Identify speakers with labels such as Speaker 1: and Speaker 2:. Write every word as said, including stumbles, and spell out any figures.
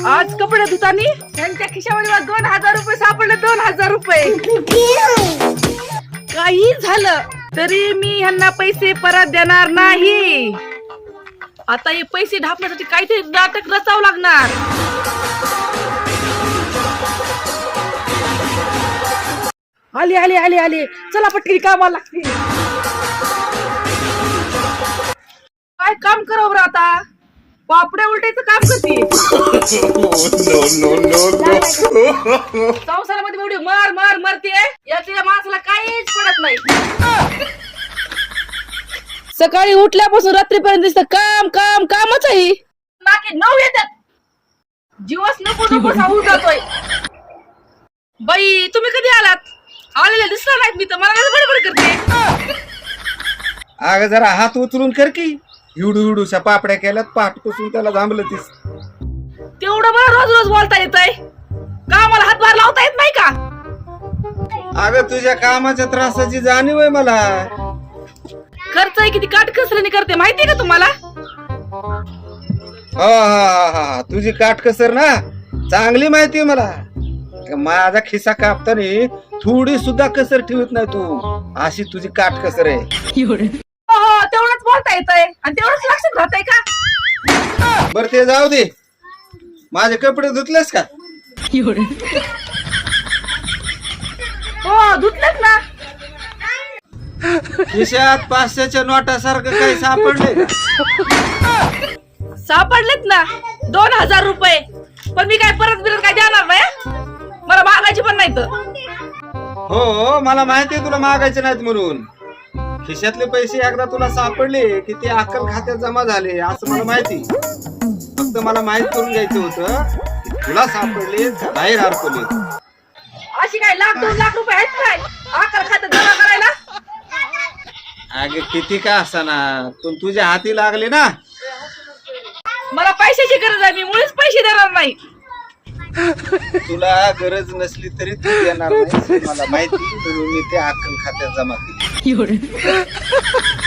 Speaker 1: आज कपडे धुतानी त्यांच्या खिशामध्ये दोन हजार रुपये सापडले. दोन हजार रुपये. काही झालं तरी मी ह्यांना पैसे परत देणार नाही. आता हे पैसे ढापण्यासाठी काहीतरी नाटक रचावं लागणार. आले आले आले आले चला पटकन कामाला लागते. काय काम करावं बरं आता? पापड्या उलटायचं काम करते. संसारामध्ये एवढी मर मर मरते याच्या माणसाला काहीच पडत नाही. सकाळी उठल्यापासून रात्रीपर्यंत दिसतं काम काम कामच आहे. नाके नऊ येतात. जीवच नको नको सांगून जातोय. बाई तुम्ही कधी आलात? आलेले दिसला नाहीत मी तर मला काय बडबड करते.
Speaker 2: अगं जरा हात उचलून कर की. हिवडू हिवडूशा पापड्या केल्यात पाठपासून त्याला थांबलं तीस.
Speaker 1: तेवढं मला रोज रोज बोलता येतंय का? मला हातभार लावता येत नाही का?
Speaker 2: अगं तुझ्या कामाच्या त्रासाची जाणीव आहे मला.
Speaker 1: खर्च किती काटकसरीने करते माहितीये का तुम्हाला?
Speaker 2: हा हा हा तुझी काटकसर ना चांगली माहिती आहे मला. माझा खिसा कापताना थोडी सुद्धा कसर ठेवत नाही तू. अशी तुझी काटकसर आहे.
Speaker 1: हो तेवढंच बोलता येतंय आणि तेवढंच लक्षात राहतंय का?
Speaker 2: बर ते जाऊ दे. माझे कपडे धुतलेस का?
Speaker 1: हो धुतलेत ना.
Speaker 2: खिशात पाचशेच्या नोटासारखं काही सापडले का?
Speaker 1: सापडलेत ना दोन हजार रुपये. पण मी काय परत बिरत काय देणार नाही. मला मागायची पण नाही तर.
Speaker 2: हो मला माहिती आहे तुला मागायचे नाहीत म्हणून. खिशातले पैसे एकदा तुला सापडले की ते अक्कल खात्यात जमा झाले असं मला माहिती. फक्त मला माहित करून घ्यायचं होतं की तुला सापडले का बाहेर हरपले.
Speaker 1: अशी काय लाख दोन लाख रुपये आहेत काय अक्कल खात्यात जमा करायला?
Speaker 2: अगे किती का असाना पण तुझ्या हाती लागले ना.
Speaker 1: मला पैशाची गरज आहे. मी मुळीच पैसे देणार नाही.
Speaker 2: तुला गरज नसली तरी तू देणार नाही मला माहिती. म्हणून मी ते अक्कल खात्यात जमा केली.